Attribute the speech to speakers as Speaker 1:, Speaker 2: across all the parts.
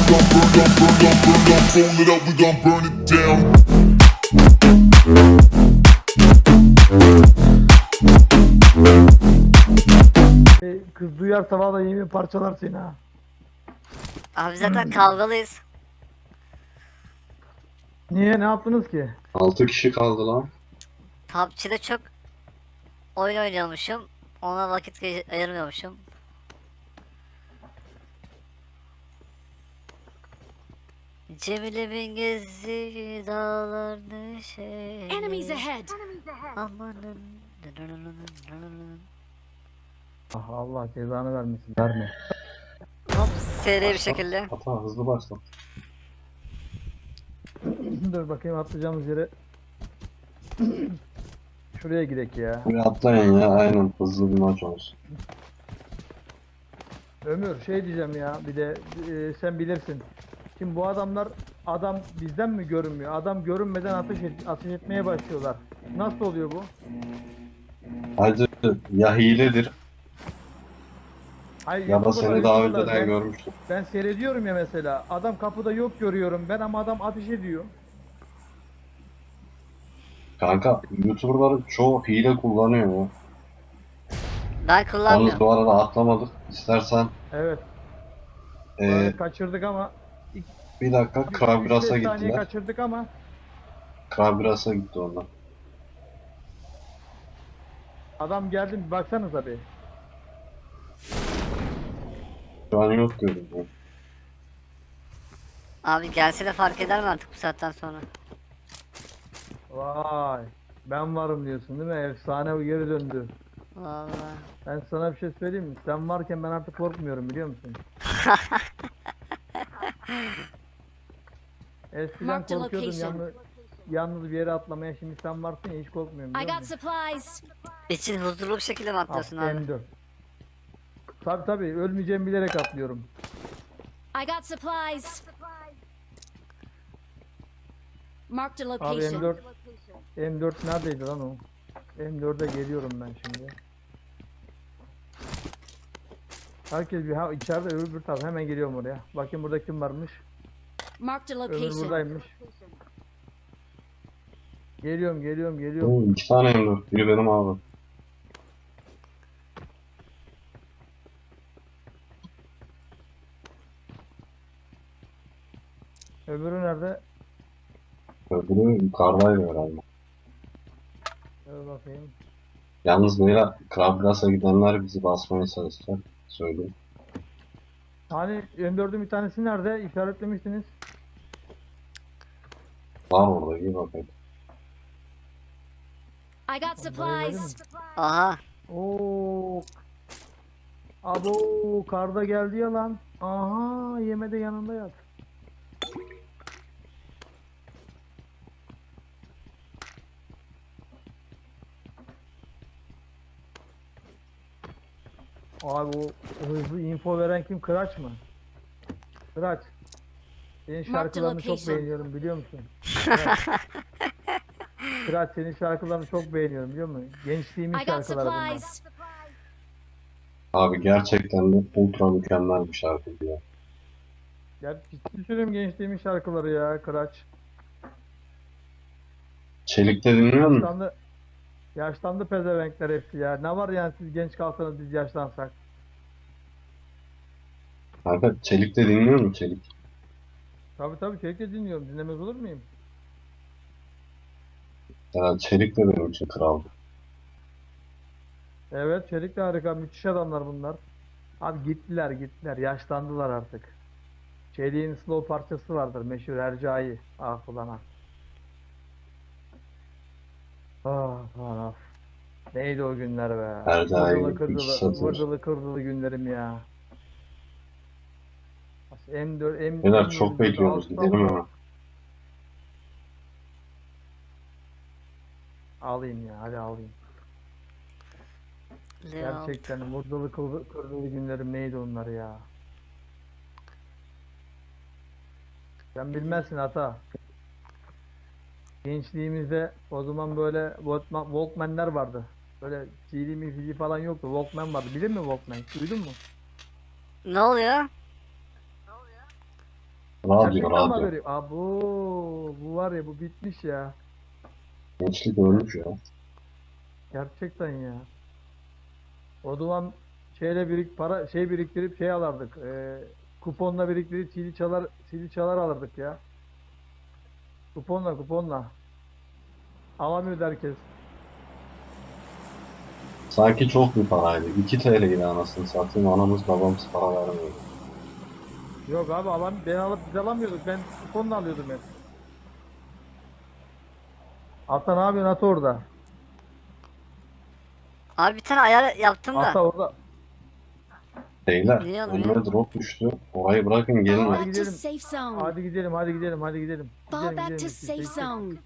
Speaker 1: Roll it up, we gon' burn it down.
Speaker 2: Kız duyarsa valla yemin parçalar seni ha.
Speaker 3: Abi zaten kavgalıyız.
Speaker 2: Niye, ne yaptınız ki?
Speaker 4: 6 kişi kaldı lan.
Speaker 3: PUBG'de çok oyun oynuyormuşum. Ona vakit ayırmıyormuşum. Cemile'min gezdiği dağlar neşeli.
Speaker 5: Enemies ahead!
Speaker 3: Amanın.
Speaker 2: Ah, Allah cezanı vermesin, verme.
Speaker 3: Hop seri bir şekilde.
Speaker 4: Hata hızlı başla.
Speaker 2: Dur bakayım atlayacağımız yere. Şuraya gidek ya.
Speaker 4: Buraya atlayın ya, aynen hızlı bir maç olsun.
Speaker 2: Ömür şey diyeceğim ya, bir de sen bilirsin. Şimdi bu adamlar, adam bizden mi görünmüyor? Adam görünmeden ateş etmeye başlıyorlar. Nasıl oluyor bu?
Speaker 4: Hacı ya hiledir
Speaker 2: Hayır,
Speaker 4: ya da
Speaker 2: YouTuber'lar,
Speaker 4: seni daha
Speaker 2: YouTuber'lar,
Speaker 4: önceden görmüştüm.
Speaker 2: ben seyrediyorum ya mesela. Adam kapıda yok görüyorum ben ama adam ateş ediyor.
Speaker 4: Kanka YouTuber'ların çoğu hile kullanıyor ya.
Speaker 3: Ben
Speaker 4: Yalnız
Speaker 3: kullanmıyorum.
Speaker 4: bu arada atlamadık. İstersen
Speaker 2: Evet.
Speaker 4: eee,
Speaker 2: Kaçırdık ama.
Speaker 4: bir dakika
Speaker 2: 3-5
Speaker 4: Krabgras'a
Speaker 2: saniye
Speaker 4: gittiler.
Speaker 2: kaçırdık ama.
Speaker 4: Krabgras'a gitti onlar.
Speaker 2: Adam geldi, bir baksanıza bir.
Speaker 4: Şu an yok görünüyor.
Speaker 3: Abi gelse de fark eder mi artık bu saatten sonra?
Speaker 2: Vay. Ben varım diyorsun değil mi? Efsane, bu geri döndü.
Speaker 3: Vallahi.
Speaker 2: Ben sana bir şey söyleyeyim mi? Sen varken ben artık korkmuyorum, biliyor musun? Eskiden
Speaker 5: Mark the
Speaker 2: korkuyordum
Speaker 5: location.
Speaker 2: yalnız bir yere atlamaya, şimdi sen varsın ya hiç korkmuyorum,
Speaker 5: I
Speaker 2: biliyor
Speaker 5: got
Speaker 2: musun?
Speaker 5: supplies!
Speaker 3: İçin huzurlu bir şekilde mi atlıyorsun abi?
Speaker 2: M4. Tabi ölmeyeceğimi bilerek atlıyorum.
Speaker 5: I got supplies! Marked a
Speaker 2: Abi
Speaker 5: location.
Speaker 2: M4 neredeydi lan o? M4'e geliyorum ben şimdi. Herkes bir içeride, öbür taraf, hemen geliyorum oraya. Bakayım burada kim varmış.
Speaker 5: Marked a
Speaker 2: Ömür
Speaker 5: location.
Speaker 2: buradaymış. Geliyorum.
Speaker 4: Oo, 2 tane M4. Biri benim abi.
Speaker 2: Öbürü nerede?
Speaker 4: Öbürü yukarıdaydı herhalde.
Speaker 2: Dur bakayım.
Speaker 4: Yalnız böyle Krabgras'a gidenler bizi basmaya çalışacak. Söyleyeyim.
Speaker 2: Hani M4'ün bir tanesi nerede? İşaretlemiştiniz.
Speaker 4: Var orada, iyi bakayım.
Speaker 5: I got supplies!
Speaker 3: Aha.
Speaker 2: Oo. Abo, karda geldi ya lan. Aha, yemede yanında yat. Abi o hızlı info veren kim? Kıraç mı? Kıraç. Senin şarkılarını çok
Speaker 5: location.
Speaker 2: beğeniyorum, biliyor musun? Kıraç. Kıraç, senin şarkılarını çok beğeniyorum, biliyor musun? Gençliğimin
Speaker 5: I got
Speaker 2: şarkıları bunlar.
Speaker 5: supplies!
Speaker 4: Abi gerçekten de ultra mükemmel bir şarkı ya.
Speaker 2: Ya ciddi söylüyorum, gençliğimin şarkıları ya Kıraç.
Speaker 4: Çelik'te dinliyor musun?
Speaker 2: Yaşlandı pezevenkler hepsi ya. Ne var yani, siz genç kalsanız biz yaşlansak.
Speaker 4: Kanka Çelik'te dinliyor musun Çelik?
Speaker 2: Tabii sürekli dinliyorum. Dinlemez olur muyum?
Speaker 4: Yani Çelik de benim için kral.
Speaker 2: Evet, Çelik de harika. Müthiş adamlar bunlar. Abi gittiler. Yaşlandılar artık. Çelik'in slow parçası vardır. Meşhur Hercai. Ah ulan ah. Ah. Neydi o günler be.
Speaker 4: Hercai
Speaker 2: Vırdılı
Speaker 4: iki
Speaker 2: kırdılı,
Speaker 4: satır.
Speaker 2: vırdılı kırdılı günlerim ya. M4,
Speaker 4: Beyler çok bekliyoruz, gidelim ama.
Speaker 2: Alayım ya, hadi alayım.
Speaker 3: Leo.
Speaker 2: Gerçekten vurduğulu kırdılı günlerim neydi onlar ya. Sen bilmezsin ata. Gençliğimizde o zaman böyle Walkman'ler vardı. Böyle CD mi falan yoktu. Walkman vardı. Bilir mi Walkman? Duydun mu?
Speaker 3: Ne oluyor?
Speaker 4: Radyo,
Speaker 2: Gerçekten mi
Speaker 4: radyo.
Speaker 2: haberi? Abo, bu var ya, bu bitmiş ya.
Speaker 4: Gençlik ölmüş ya.
Speaker 2: Gerçekten ya. O zaman para biriktirip şey alırdık. Kuponla biriktirip CD çalar alırdık ya. Kuponla. Alamıyordu herkes.
Speaker 4: Sanki çok bir paraydı. 2 TL'ydi anasını satayım. Anamız babamız para vermiyordu.
Speaker 2: Yok abi, biz alamıyorduk. Ben kuponla alıyordum hep. Ata ne yapıyorsun Ata orada?
Speaker 3: Abi bir tane ayar yaptım da.
Speaker 2: Ata orada.
Speaker 4: Beyler,
Speaker 3: Niye
Speaker 4: önüme
Speaker 3: almıyor?
Speaker 4: drop düştü. Orayı bırakın
Speaker 5: Fall
Speaker 4: gelin.
Speaker 2: Hadi
Speaker 5: back to
Speaker 2: gidelim.
Speaker 5: safe zone.
Speaker 2: Hadi gidelim.
Speaker 5: Fall back to
Speaker 2: Gidelim.
Speaker 5: safe zone.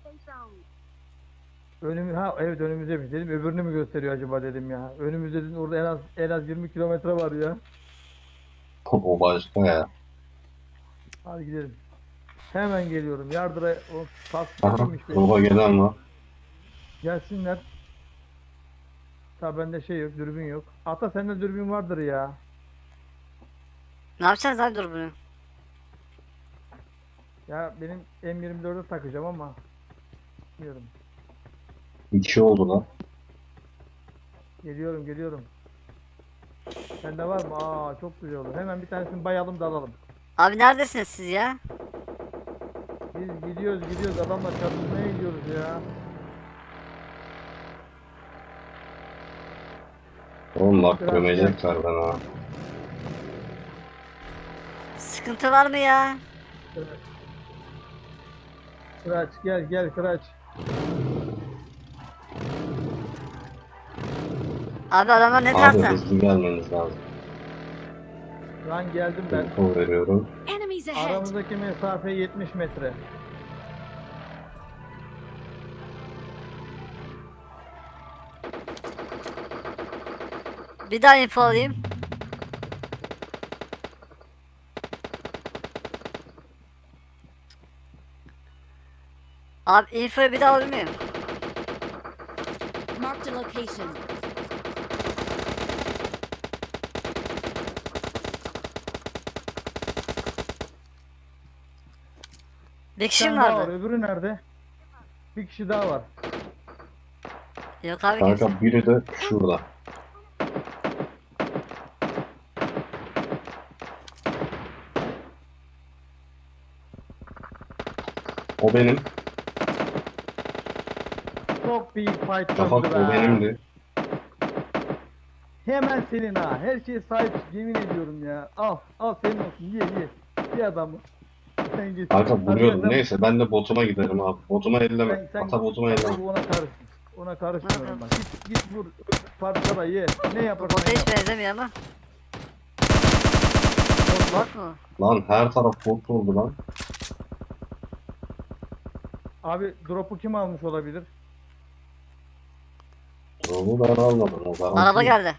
Speaker 2: Evet, önümüzde dedim. Öbürünü mü gösteriyor acaba dedim ya. Önümüzde dedim, orada en az 20 kilometre var ya.
Speaker 4: O başka ya.
Speaker 2: Hadi gidelim. Hemen geliyorum. Yardıra o
Speaker 4: Aha,
Speaker 2: tasdikmiş benim.
Speaker 4: drop'a gelen var.
Speaker 2: Gelsinler. Ta bende şey yok, dürbün yok. Ata sende dürbün vardır ya.
Speaker 3: Ne yapacağız abi dur bunu.
Speaker 2: Ya benim M24'e takacağım ama bilmiyorum.
Speaker 4: 2 oldular.
Speaker 2: Geliyorum. Sende var mı? Aa, çok güzel olur. Hemen bir tanesini bayalım da alalım.
Speaker 3: Abi neredesiniz siz ya?
Speaker 2: Biz gidiyoruz. Adamla çatışmaya gidiyoruz ya.
Speaker 4: Oğlum bak
Speaker 2: Biraz
Speaker 4: gömecekler beni ha.
Speaker 3: Sıkıntı var mı ya?
Speaker 2: Kıraç gel Kıraç.
Speaker 3: Abi adamlar ne
Speaker 4: Abi
Speaker 3: tarafta?
Speaker 4: hızlı gelmeniz lazım.
Speaker 2: Şu an geldim ben.
Speaker 4: Info veriyorum.
Speaker 5: Enemies ahead.
Speaker 2: Aramızdaki mesafe 70 metre.
Speaker 3: Bir daha info alayım. Abi infoyu bir daha alabilir miyim?
Speaker 5: Marked a location.
Speaker 3: Bir
Speaker 2: Bir
Speaker 3: kişi mi
Speaker 2: tane daha var.
Speaker 3: vardı?
Speaker 2: Öbürü nerede? Bir kişi daha var.
Speaker 3: Yok abi kimse.
Speaker 4: Kanka biri de şurada. O benim.
Speaker 2: Çok büyük fight
Speaker 4: Şafak
Speaker 2: döndü
Speaker 4: o
Speaker 2: be.
Speaker 4: benimdi.
Speaker 2: Hemen senin ha. Her şeye sahip, yemin ediyorum ya. Al senin olsun. Ye. Bir adamı. Sen git.
Speaker 4: Kanka
Speaker 2: Hadi
Speaker 4: vuruyordum.
Speaker 2: sen-
Speaker 4: Neyse ben de botuma giderim abi. Botuma elleme.
Speaker 2: sen
Speaker 4: Ata botuma elleme.
Speaker 2: Ona karışsın. Ona karışmıyorum bak. Git vur. Parçala ye. Ne
Speaker 3: Bu
Speaker 2: yaparsan
Speaker 3: bota hiç
Speaker 2: yap.
Speaker 3: benzemiyor ama. Bot mu?
Speaker 4: Lan her taraf bot oldu lan.
Speaker 2: Abi drop'u kim almış olabilir?
Speaker 4: Drop'u ben almadım. O garanti.
Speaker 3: Araba geldi.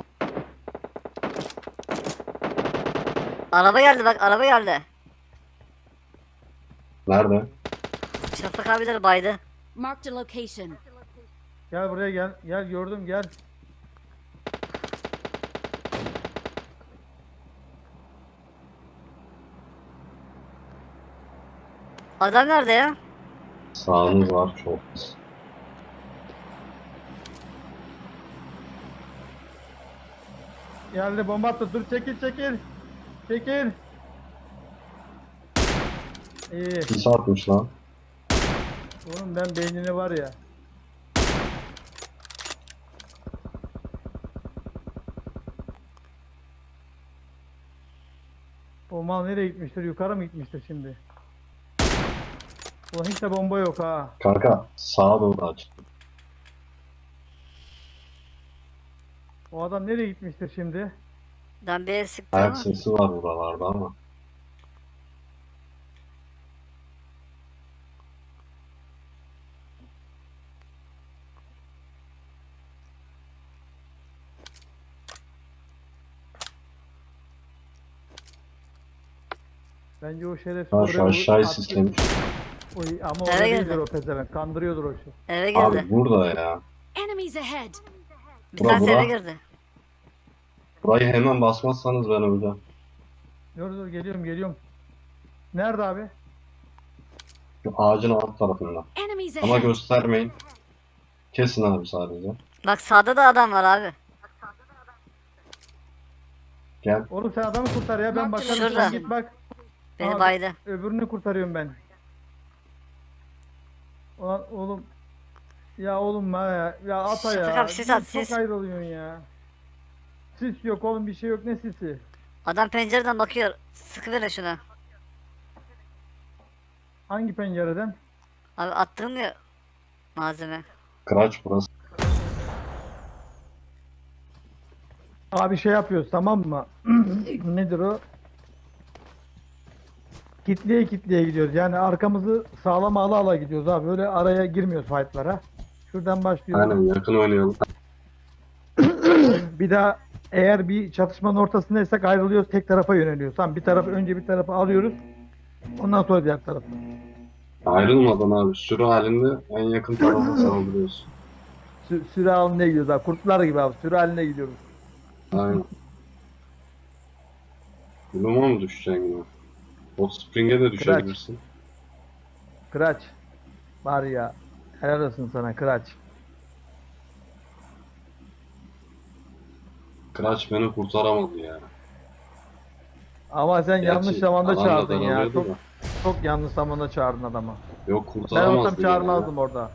Speaker 3: Araba geldi bak araba geldi.
Speaker 4: Nerede?
Speaker 3: Şafak abileri baydı.
Speaker 5: Marked a location.
Speaker 2: Gel buraya gel. Gel gördüm gel.
Speaker 3: Adam nerede ya?
Speaker 4: Sağınız var çok pis.
Speaker 2: Geldi, bomba attı. Dur, çekil. Çekil. İyi.
Speaker 4: Pis atmış lan.
Speaker 2: Oğlum ben beynini var ya. O mal nereye gitmiştir? Yukarı mı gitmiştir şimdi? Ulan hiç de bomba yok ha.
Speaker 4: Kanka sağa doğru aç.
Speaker 2: O adam nereye gitmiştir şimdi?
Speaker 3: Ben bir el sıktım
Speaker 4: Ayak
Speaker 3: ama.
Speaker 4: sesi var buralarda ama.
Speaker 2: Bence o şerefsiz
Speaker 4: Ha
Speaker 2: oraya
Speaker 4: şu aşağıyı
Speaker 2: attı.
Speaker 4: sislemiş.
Speaker 2: Ama
Speaker 3: Eve
Speaker 2: orada
Speaker 3: girdi.
Speaker 2: değildir o pezevenk. Kandırıyordur o şey.
Speaker 3: Eve girdi.
Speaker 4: Abi burada ya.
Speaker 5: Enemies ahead.
Speaker 3: Bir
Speaker 4: bura,
Speaker 3: tanesi
Speaker 4: bura.
Speaker 3: eve girdi.
Speaker 4: Burayı hemen basmazsanız ben öleceğim.
Speaker 2: Dur geliyorum. Nerede abi?
Speaker 4: Şu ağacın alt tarafında.
Speaker 5: Enemies
Speaker 4: Ama
Speaker 5: ahead.
Speaker 4: göstermeyin. Kesin abi sadece.
Speaker 3: Bak sağda da adam var abi.
Speaker 4: Gel.
Speaker 2: Oğlum sen adamı kurtar ya, ben bakarım.
Speaker 3: Şurada.
Speaker 2: Sen git bak.
Speaker 3: Beni
Speaker 2: Abi,
Speaker 3: baydı.
Speaker 2: Öbürünü kurtarıyorum ben. Ulan oğlum. Ya oğlum ya. Ya ata ya.
Speaker 3: Şafak abi, sis at,
Speaker 2: Çok
Speaker 3: sis.
Speaker 2: ayrılıyorsun ya. Sis yok oğlum, bir şey yok, ne sisi?
Speaker 3: Adam pencereden bakıyor. Sıkıverin şuna.
Speaker 2: Hangi pencereden?
Speaker 3: Abi attığım ya malzeme.
Speaker 4: Kıraç burası.
Speaker 2: Abi şey yapıyoruz, tamam mı? Nedir o? Kitleye kitleye gidiyoruz. Yani arkamızı sağlam ala ala gidiyoruz abi. Böyle araya girmiyoruz fightlara. Şuradan başlıyoruz.
Speaker 4: Aynen, yakın oynayalım.
Speaker 2: Bir daha eğer bir çatışmanın ortasındaysak ayrılıyoruz, tek tarafa yöneliyoruz. Tamam, bir tarafı önce bir tarafa alıyoruz. Ondan sonra diğer tarafı.
Speaker 4: Ayrılmadan abi sürü halinde en yakın tarafa saldırıyoruz.
Speaker 2: Sürü halinde gidiyoruz abi. Kurtlar gibi abi. Sürü halinde gidiyoruz.
Speaker 4: Aynen. Buluma mı düşeceksin yine? Hot Spring'e de düşebilirsin.
Speaker 2: Kıraç. Var ya. Helal olsun sana Kıraç.
Speaker 4: Kıraç beni kurtaramadı ya.
Speaker 2: Ama sen yanlış
Speaker 4: Gerçi
Speaker 2: zamanda
Speaker 4: alan da
Speaker 2: çağırdın ya.
Speaker 4: daralıyordu
Speaker 2: Çok,
Speaker 4: da.
Speaker 2: çok yanlış zamanda çağırdın adamı.
Speaker 4: Yok
Speaker 2: Ben
Speaker 4: kurtaramazdı
Speaker 2: olsam
Speaker 4: gene
Speaker 2: çağırmazdım
Speaker 4: ya.
Speaker 2: orada.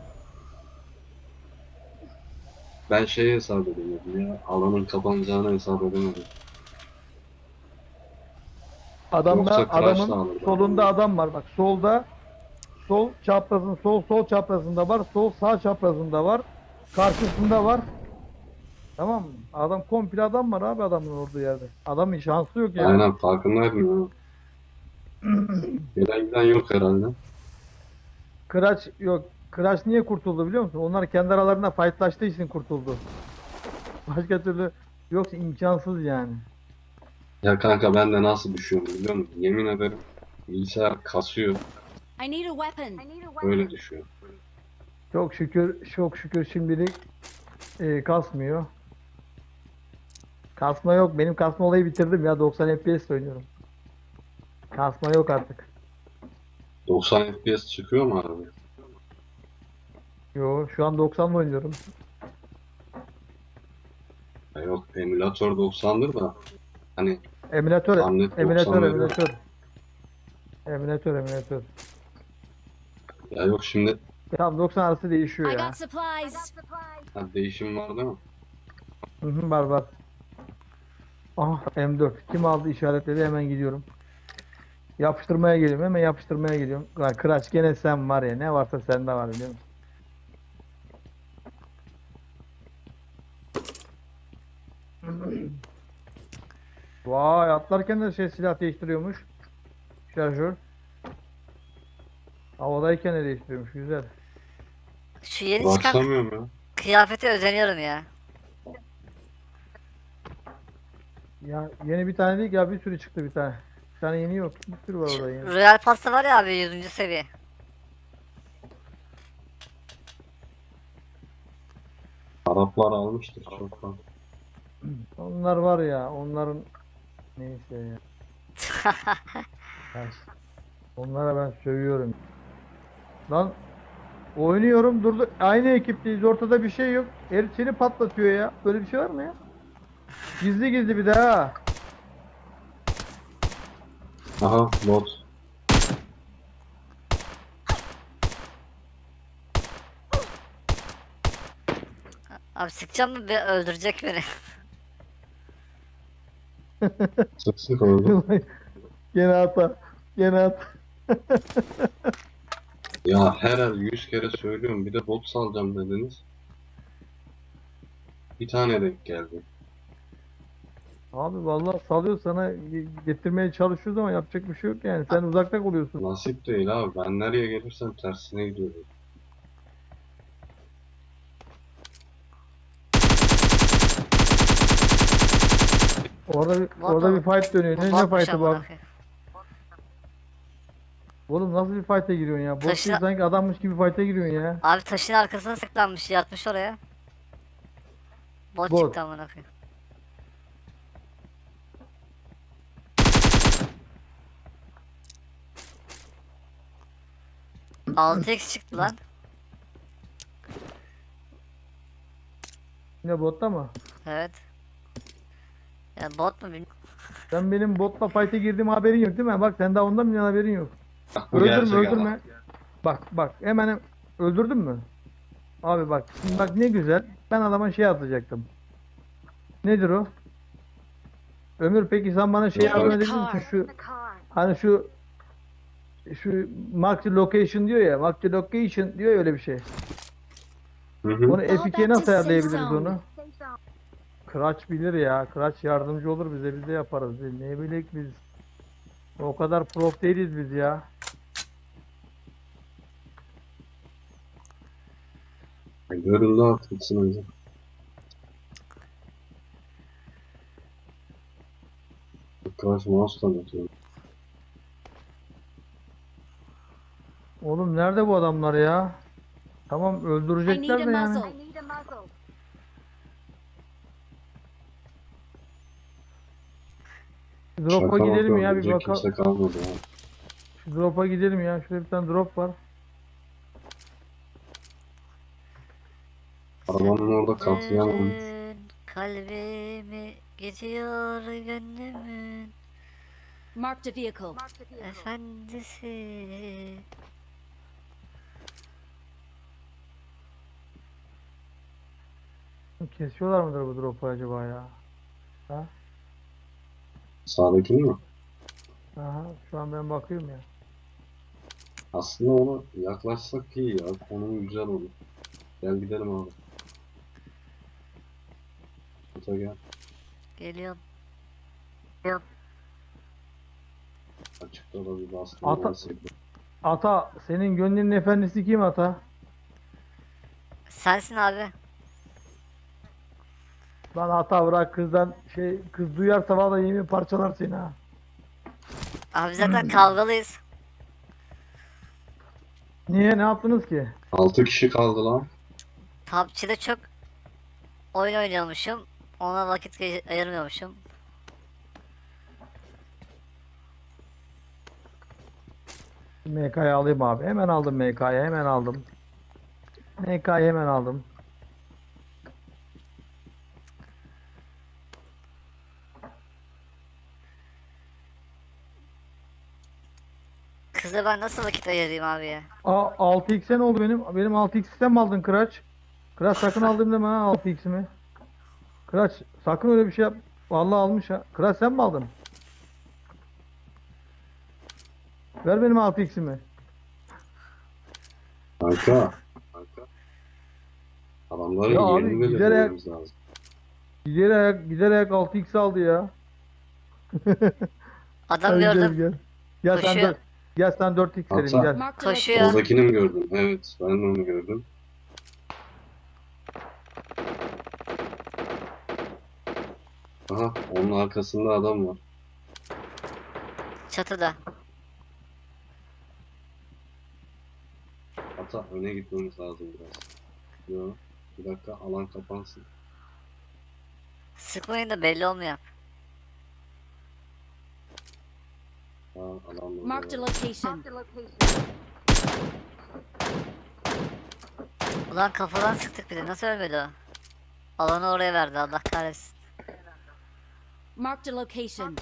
Speaker 4: Ben şeyi hesap edemedim ya. Alanın kapanacağını hesap edemedim.
Speaker 2: Adamda,
Speaker 4: Yoksa Kıraç da
Speaker 2: adamın
Speaker 4: alırdı.
Speaker 2: solunda adam var. Bak solda, sol çaprazın sol çaprazında var. Sol sağ çaprazında var. Karşısında var. Tamam mı? Adam komple adam var abi, adamın olduğu yerde. Adamın şansı yok ya.
Speaker 4: Aynen farkındaydım ya. Gelen giden yok herhalde.
Speaker 2: Kıraç yok. Kıraç niye kurtuldu biliyor musun? Onlar kendi aralarında fightlaştığı için kurtuldu. Başka türlü yoksa imkansız yani.
Speaker 4: Ya kanka ben de nasıl düşüyorum biliyor musun? Yemin ederim bilgisayar kasıyor.
Speaker 5: I need a weapon.
Speaker 4: Öyle düşüyor.
Speaker 2: Çok şükür şimdilik kasmıyor. Kasma yok. Benim kasma olayı bitirdim ya. 90 FPS oynuyorum. Kasma yok artık.
Speaker 4: 90 FPS çıkıyor mu abi?
Speaker 2: Yo, şu an 90'la oynuyorum.
Speaker 4: Ya yok emülatör 90'dır da hani
Speaker 2: Emülatör,
Speaker 4: Tahmin et,
Speaker 2: emülatör,
Speaker 4: 90 veriyor.
Speaker 2: emülatör. Emülatör, emülatör.
Speaker 4: ya yok şimdi
Speaker 2: Tam 90 arası değişiyor
Speaker 5: I
Speaker 2: ya.
Speaker 5: got supplies.
Speaker 4: ha, değişim var değil mi?
Speaker 2: Hı hı, var var. Ah, M4. Kim aldı işaretledi, hemen gidiyorum. Yapıştırmaya geliyorum, hemen yapıştırmaya geliyorum. Lan Kıraç, gene sen var ya, ne varsa sende var biliyor musun? Vay, atlarken de silah değiştiriyormuş. Şarjör. Havadayken de değiştiriyormuş, güzel.
Speaker 3: Şu yeni çıkan
Speaker 4: Başlamıyorum ya.
Speaker 3: kıyafete özeniyorum ya.
Speaker 2: Ya yeni bir tane değil ya, bir sürü çıktı bir tane. Bir tane yeni yok, bir sürü var orada yeni.
Speaker 3: Royal Pass'ta var ya abi 100. seviye.
Speaker 4: Araplar almıştır çoktan.
Speaker 2: Onlar var ya, onların neyse ya. Ya, onlara ben sövüyorum. Lan oynuyorum, durdu. Aynı ekipteyiz, ortada bir şey yok. Herif seni patlatıyor ya. Böyle bir şey var mı ya? Gizli gizli bir daha.
Speaker 4: Aha bot.
Speaker 3: Abi sıkacağım mı öldürecek beni.
Speaker 4: Sık sık oldu.
Speaker 2: Gene hata. Gene hata.
Speaker 4: Ya her 100 kere söylüyorum bir de bot salacağım dediniz. Bir tane denk geldi.
Speaker 2: Abi vallahi salıyor sana, getirmeye çalışıyoruz ama yapacak bir şey yok yani. Sen uzakta kalıyorsun.
Speaker 4: Nasip değil abi. Ben nereye gelirsem tersine gidiyorum.
Speaker 2: Orada bir fight dönüyor. Ne
Speaker 3: Botmuş
Speaker 2: fight'ı bu
Speaker 3: amına
Speaker 2: abi?
Speaker 3: koyayım.
Speaker 2: Oğlum nasıl bir fight'e giriyorsun ya? Bot
Speaker 3: Taşı-
Speaker 2: değil, sanki adammış gibi fight'e giriyorsun ya.
Speaker 3: Abi taşın arkasına sıklanmış, yatmış oraya. Bot
Speaker 2: Bot.
Speaker 3: çıktı amına koyayım. 6x çıktı lan.
Speaker 2: Yine botta mı?
Speaker 3: Evet. Ya bot mu bilmiyorum.
Speaker 2: Sen benim botla fight'e girdiğim haberin yok değil mi? Bak sen daha ondan bile haberin yok.
Speaker 4: Bak bu
Speaker 2: Öldürme
Speaker 4: gerçek
Speaker 2: öldürme.
Speaker 4: adam.
Speaker 2: Bak hemen öldürdün mü? Abi bak şimdi bak ne güzel. Ben adama şey atacaktım. Nedir o? Ömür peki sen bana şey
Speaker 4: Get in
Speaker 2: yardım
Speaker 5: the
Speaker 2: edebilir
Speaker 5: car.
Speaker 2: misin? Hani şu mark the location diyor ya. Mark the location diyor ya öyle bir şey.
Speaker 4: Hı hı.
Speaker 2: Onu
Speaker 5: Fall
Speaker 2: F2'ye
Speaker 5: back to
Speaker 2: nasıl
Speaker 5: safe
Speaker 2: ayarlayabiliriz
Speaker 5: zone.
Speaker 2: onu? Kıraç bilir ya. Kıraç yardımcı olur bize. Biz de yaparız. Ne bilek biz. O kadar prof değiliz biz ya.
Speaker 4: Görüldü artık sınırda. Arkadaş mouse tanıtıyor.
Speaker 2: Oğlum nerede bu adamlar ya? Tamam
Speaker 5: I need
Speaker 2: öldürecekler
Speaker 5: a
Speaker 2: de yani.
Speaker 5: muzzle.
Speaker 2: Şu drop'a
Speaker 4: Şaka
Speaker 2: gidelim
Speaker 4: maka
Speaker 2: ya bir
Speaker 4: ölecek
Speaker 2: bakalım.
Speaker 4: kimse kalmadı ya.
Speaker 2: Şu drop'a gidelim ya. Şurada bir tane drop var.
Speaker 4: Arabanın orada katliam olmuş.
Speaker 3: Dün kalbimi gidiyor gönlümün
Speaker 5: Marked a vehicle.
Speaker 3: efendisi.
Speaker 2: Kesiyorlar mıdır bu drop'u acaba ya? Ha?
Speaker 4: Sağdakini mi?
Speaker 2: Aha, şu an ben bakıyorum ya.
Speaker 4: Aslında ona yaklaşsak iyi ya. Konum güzel olur. Gel gidelim abi. Ota gel.
Speaker 3: Geliyorum.
Speaker 4: Açıkta da bir baskın
Speaker 2: Ata-
Speaker 4: varsa.
Speaker 2: Ata, senin gönlünün efendisi kim Ata?
Speaker 3: Sensin abi.
Speaker 2: Lan Ata bırak kızdan kız duyarsa vallahi yemin parçalar seni ha.
Speaker 3: Abi zaten kavgalıyız.
Speaker 2: Niye ne yaptınız ki?
Speaker 4: 6 kişi kaldı lan.
Speaker 3: PUBG'de çok oyun oynuyormuşum. Ona vakit ayırmıyormuşum.
Speaker 2: MK'yı alayım abi. Hemen aldım MK'yı hemen aldım. MK'yı hemen aldım.
Speaker 3: Kıza ben nasıl vakit ayırayım abi ya?
Speaker 2: 6x'e ne oldu benim? Benim 6x'ten mi aldın Kıraç? Kıraç sakın aldım deme ha 6x'imi. Kıraç sakın öyle bir şey yap. Vallahi almış ha. Kıraç sen mi aldın? Ver benim 6x'imi.
Speaker 4: Kanka. Adamların
Speaker 2: Ya abi,
Speaker 4: yerini belirlememiz lazım.
Speaker 2: Giderek 6x aldı ya.
Speaker 3: Adam
Speaker 2: Hadi
Speaker 3: gördüm.
Speaker 2: Gel. Gel sen
Speaker 3: Koşuyor.
Speaker 2: 4. Gel sen 4x vereyim
Speaker 4: Hatta-
Speaker 2: gel.
Speaker 5: Marked a
Speaker 3: Koşuyor.
Speaker 5: location.
Speaker 4: Soldakini mi gördün? Evet, ben de onu gördüm. Aha, onun arkasında adam var.
Speaker 3: Çatıda.
Speaker 4: Hatta öne gitmemiz lazım biraz. Yo, bir dakika alan kapansın.
Speaker 3: Sıkmayın da belli olmuyor.
Speaker 4: Ha, adam burada
Speaker 5: Marked a
Speaker 4: var.
Speaker 5: location.
Speaker 3: Ulan kafadan sıktık bir de. Nasıl ölmedi o? Alanı oraya verdi. Allah kahretsin.
Speaker 5: Marked a location.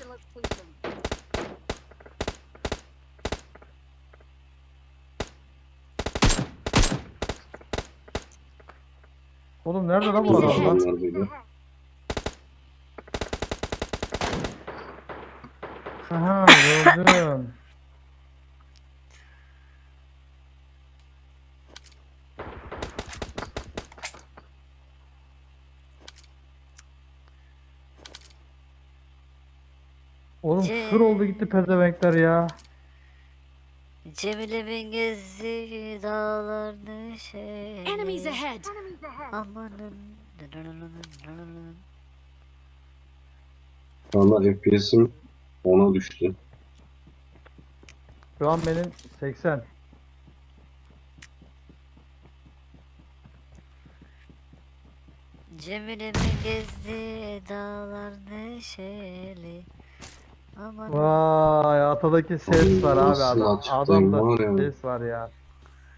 Speaker 2: Oğlum nerede lan bu
Speaker 5: Enemies
Speaker 2: adam lan?
Speaker 5: ahead.
Speaker 4: Adamlar böyle.
Speaker 2: Aha gördüm. Oğlum sır oldu gitti pezevenkler ya.
Speaker 3: Cemile'min gezdiği dağlar neşeli.
Speaker 5: Enemies ahead.
Speaker 3: Amanın.
Speaker 4: Şu anda FPS'im 10'a düştü.
Speaker 2: Şu an benim 80.
Speaker 3: Cemile'min gezdiği dağlar neşeli. Amanın.
Speaker 2: Vay atadaki ses var abi
Speaker 4: Nasıl
Speaker 2: adam.
Speaker 4: açıklayayım
Speaker 2: Adamda
Speaker 4: var ya.
Speaker 2: ses var ya.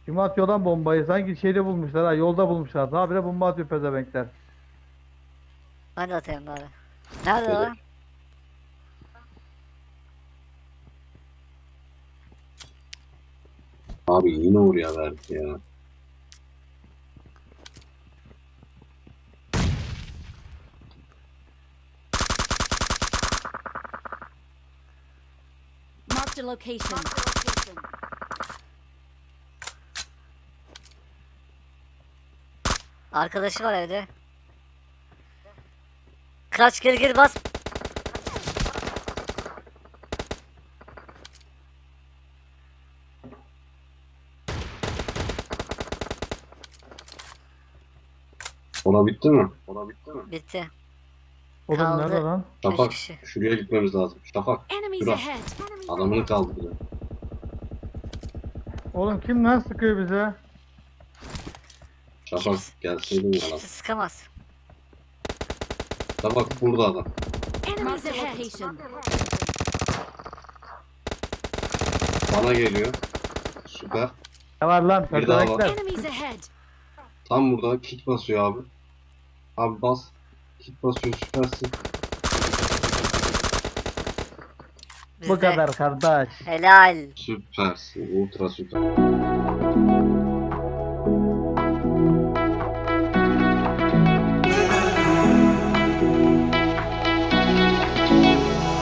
Speaker 2: Kim atıyor lan bombayı? Sanki şeyde bulmuşlar ha, yolda bulmuşlar. Habire bomba atıyor pezevenkler.
Speaker 3: Ben de atayım bari. Nerede
Speaker 4: Evet.
Speaker 3: lan?
Speaker 4: Abi yine oraya verdi ya.
Speaker 5: Marked a location.
Speaker 3: Arkadaşı var evde. Kaç gir bas.
Speaker 4: Ona bitti mi? Ona bitti mi?
Speaker 3: Bitti.
Speaker 2: Oğlum
Speaker 3: Kaldı.
Speaker 2: nerede lan?
Speaker 4: Şafak,
Speaker 3: kişi.
Speaker 4: şuraya gitmemiz lazım. Şafak,
Speaker 5: Enemies
Speaker 4: şura.
Speaker 5: ahead.
Speaker 4: Adamını kaldırıyor.
Speaker 2: Oğlum kim lan sıkıyor bize?
Speaker 4: Şafak gelseydin ya lan.
Speaker 3: Kimse sıkamaz.
Speaker 4: Şafak burada adam.
Speaker 5: Enemies ahead. Location.
Speaker 4: Bana geliyor. Süper.
Speaker 2: Ne var lan?
Speaker 4: Bir daha var.
Speaker 2: Pezevenkler.
Speaker 5: Enemies ahead.
Speaker 4: Tam burada kit basıyor abi. Abi bas. Kit basıyor, süpersin.
Speaker 2: Bu
Speaker 3: Bizde.
Speaker 2: kadar kardeş.
Speaker 3: Helal.
Speaker 4: Süpersin. Ultra süper.